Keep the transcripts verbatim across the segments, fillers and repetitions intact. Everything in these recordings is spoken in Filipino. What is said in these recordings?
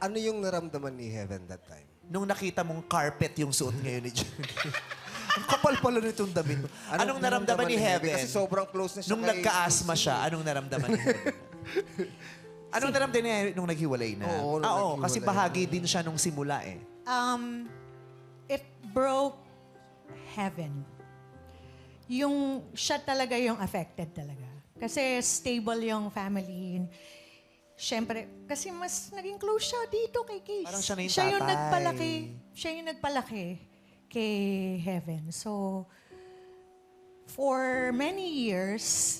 Ano yung naramdaman ni Heaven that time? Nung nakita mong carpet yung suot ngayon ni Johnny. Ang kapal pala nitong damit mo. Anong naramdaman ni Heaven? Kasi sobrang close na siya Nung kay nagka-asthma Casey. siya, anong naramdaman ni Heaven? Anong naramdaman niya nung naghiwalay na? Oo, nung ah, oo, naghiwalay kasi na. bahagi din siya nung simula eh. Um, it broke heaven. Yung siya talaga yung affected talaga. Kasi stable yung family. Siyempre, kasi mas naging close siya dito kay Case. Parang siya na yung Siya yung tatay. nagpalaki. Siya yung nagpalaki kay Heaven. So, for many years,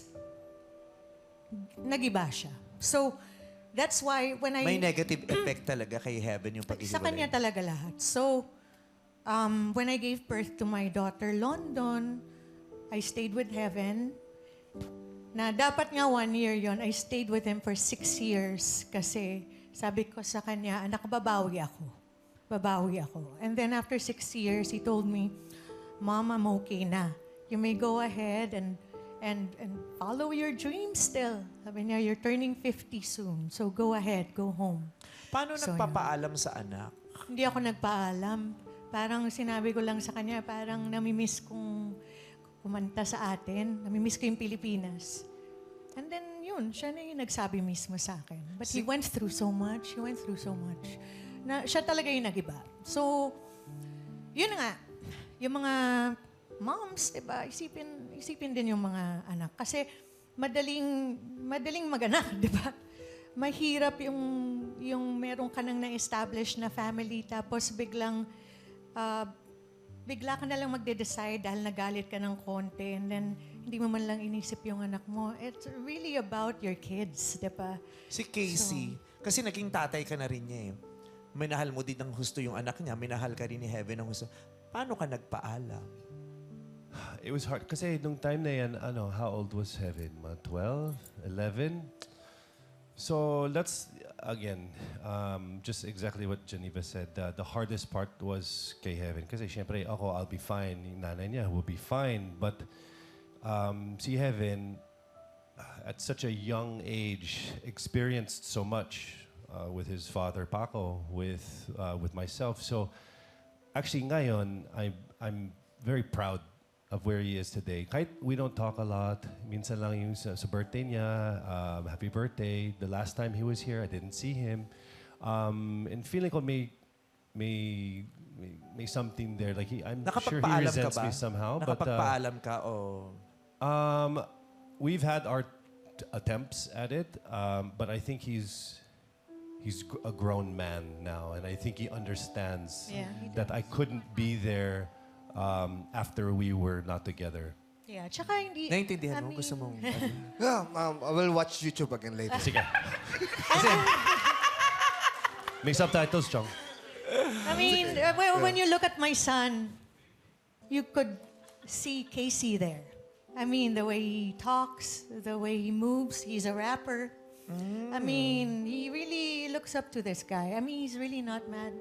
nagiba siya. So, that's why when I... May negative effect talaga kay Heaven yung paghihiwalay. Sa kanya talaga lahat. So, um, when I gave birth to my daughter, London, I stayed with Heaven. Na dapat nga one year yon, I stayed with him for six years kasi sabi ko sa kanya, anak, babawi ako. Babawi ako. And then after six years, he told me, Mom, I'm okay na. You may go ahead and and and follow your dreams still. Sabi niya, you're turning fifty soon. So go ahead, go home. Paano So, nagpapaalam sa anak? Hindi ako nagpaalam. Parang sinabi ko lang sa kanya, parang namimiss kong kumanta sa atin. Namimiss ko yung Pilipinas. And then yun, siya na yung nagsabi mismo sa akin. But he went through so much. He went through so much. Na siya talaga yung nagiba. So, yun nga. Yung mga moms, diba? Isipin, isipin din yung mga anak. Kasi madaling, madaling maganak, diba? Mahirap yung, yung meron ka nang na-establish na family tapos biglang uh, bigla ka na lang magde-decide dahil nagalit ka ng konti and then hindi mo man lang inisip yung anak mo. It's really about your kids, di ba? Si Casey, kasi naging tatay ka na rin niya eh. Minahal mo din ng husto yung anak niya, minahal ka rin ni Heaven ng husto. Paano ka nagpaalam? It was hard. Kasi nung time na yan, ano, how old was Heaven? Mga twelve? eleven? So let's, again, um, just exactly what Geneva said. Uh, the hardest part was kay Heaven. Kasi syempre, ako, I'll be fine. Yung nanay niya will be fine. But um, si Heaven, uh, at such a young age, experienced so much uh, with his father, Paco, with, uh, with myself. So actually, ngayon, I'm, I'm very proud of where he is today. Kahit we don't talk a lot, minsan lang yung sa, sa birthday niya, um, happy birthday. The last time he was here, I didn't see him. Um, and feeling ko may, may, may, may something there. Like he, I'm sure he Nakapagpaalam ka resents ba? me somehow. But uh, Nakapagpaalam ka o... um, we've had our t- attempts at it, um, but I think he's he's gr- a grown man now, and I think he understands Yeah, he that I couldn't be there um, after we were not together. Yeah, tsaka hindi... Naintindihan I mo? mean, Gusto mong... ano? Yeah, um, I will watch YouTube again later. Sige. Kasi, may subtitles, Chong. I mean, uh, when, when you look at my son, you could see Casey there. I mean, the way he talks, the way he moves, he's a rapper. I mean, he really looks up to this guy. I mean, he's really not mad.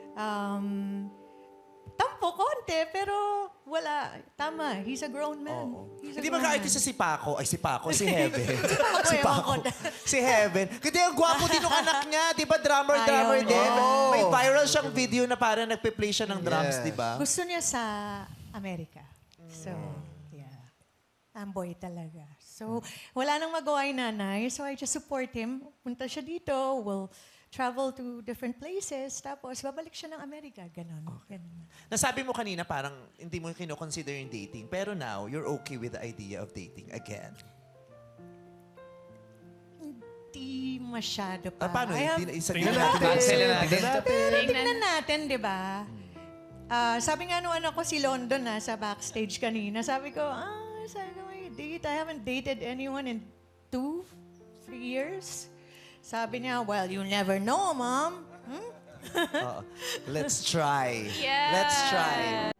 Um, tampo konti, pero wala. Tama, he's a grown man. He's a Hindi ba grown kahit man. isa si Paco, ay si Paco, si Heaven. si ewan Paco. ko. si Heaven. Kasi ang gwapo din ng anak niya, di ba? Drummer, Ayaw drummer niya. din. Oh. May viral siyang video na parang nagpe-play siya ng drums, Yes. di ba? Gusto niya sa Amerika. So, yeah. Amboy talaga. So, wala nang magawa yung nanay. So, I just support him. Punta siya dito. We'll travel to different places. Tapos, babalik siya ng Amerika. Ganon. Ganon. Nasabi mo kanina parang hindi mo kino-consider yung dating. Pero now, you're okay with the idea of dating again. Hindi masyado pa. Ah, paano? I have- Hindi na isa Tingnan na natin. Tingnan natin. Pero tignan natin, di ba? Ah, sabi nga nung anak ko si London na sa backstage kanina, sabi ko, ah, sabi ko, may date. I haven't dated anyone in two, three years. Sabi niya, well, you never know, Mom. Hmm? Oo. Let's try. Yes. Let's try.